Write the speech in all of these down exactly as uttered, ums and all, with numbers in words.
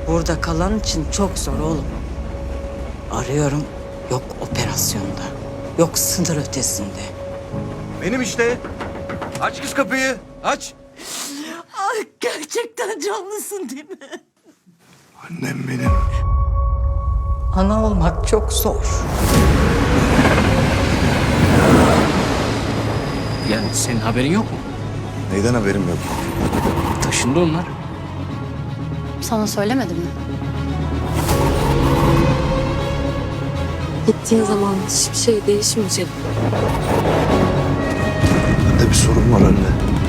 Burada kalan için çok zor oğlum. Arıyorum, yok operasyonda, yok sınır ötesinde. Benim işte. Aç kız kapıyı. Aç. Ay gerçekten canlısın değil mi? Annem benim. Ana olmak çok zor. Yani senin haberin yok mu? Neyden haberim yok? Taşındı onlar. Sana söylemedim mi? Gittiğin zaman hiçbir şey değişmeyecek. Bende bir sorun var anne.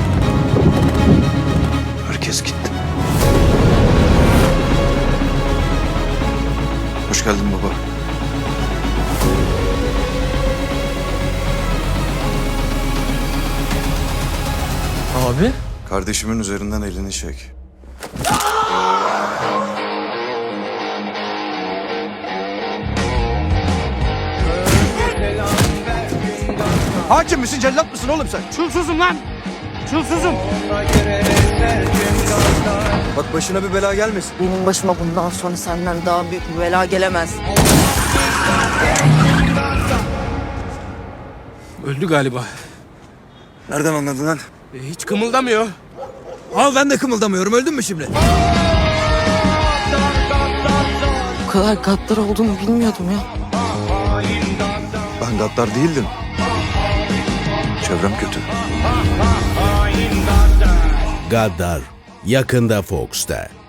Herkes gitti. Hoş geldin baba. Abi? Kardeşimin üzerinden elini çek. Hakim misin, cellat mısın oğlum sen? Çulsuzum lan! Çulsuzum! Bak başına bir bela gelmesin. Benim başıma bundan sonra senden daha büyük bir bela gelemez. Öldü galiba. Nereden anladın lan? E, hiç kımıldamıyor. Al ben de kımıldamıyorum. Öldün mü şimdi? Bu kadar gaddar olduğunu bilmiyordum ya. Ben gaddar değildim. Çevrem kötü. Gaddar yakında Fox'ta.